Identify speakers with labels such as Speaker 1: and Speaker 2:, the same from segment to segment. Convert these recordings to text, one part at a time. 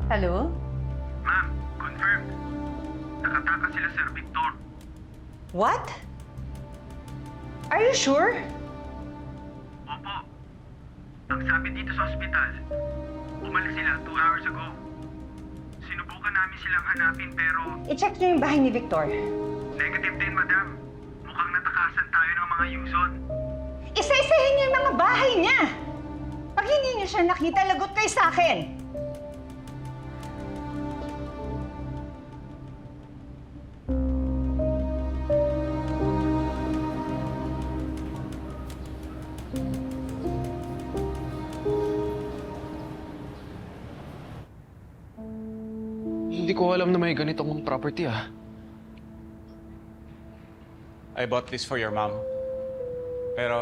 Speaker 1: Hello?
Speaker 2: Ma'am, confirmed. Nakatakas sila Sir Victor.
Speaker 1: What? Are you sure?
Speaker 2: Opo. Ang sabi dito sa ospital, umalis sila 2 hours ago. Sinubukan namin silang hanapin pero
Speaker 1: I-check niyo yung bahay ni Victor.
Speaker 2: negative din, madam. Mukhang natakasan tayo ng mga Yuzon.
Speaker 1: Isa-isahin niyo yung mga bahay niya! Pag hindi niyo siya nakita, lagot kayo sa akin!
Speaker 3: Hindi ko alam na may ganitong property
Speaker 4: I bought this for your mom. Pero,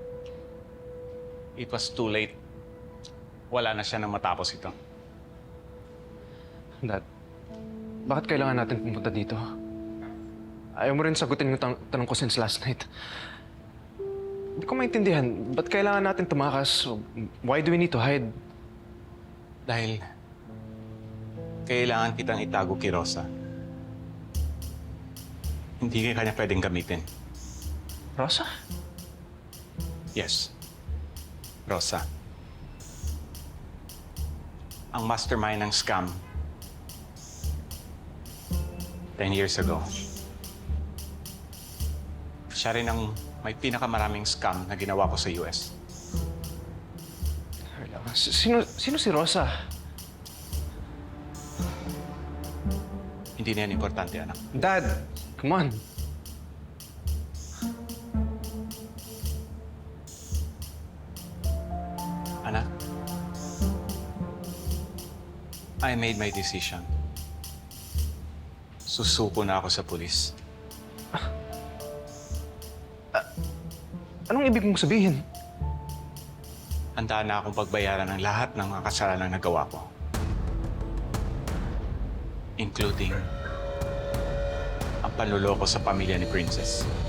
Speaker 4: it was too late. Wala na siya nang matapos ito.
Speaker 3: Dad, bakit kailangan natin pumunta dito? Ayaw mo rin sagutin yung tanong ko since last night. Hindi ko maintindihan. Ba't kailangan natin tumakas? Why do we need to hide?
Speaker 4: Dahil, kailangan kitang itago kay Rosa. Hindi ka kanya pwedeng gamitin.
Speaker 3: Rosa?
Speaker 4: Yes. Rosa. Ang mastermind ng scam 10 years ago. Siya rin ang may pinakamaraming scam na ginawa ko sa US.
Speaker 3: Sino si Rosa?
Speaker 4: Hindi na yan importante, anak.
Speaker 3: Dad, come on.
Speaker 4: Anak, I made my decision. Susuko na ako sa pulis.
Speaker 3: Anong ibig mong sabihin?
Speaker 4: Handa na akong pagbayaran ng lahat ng mga kasalanan na nagawa ko. Including ang panluloko sa pamilya ni Princess.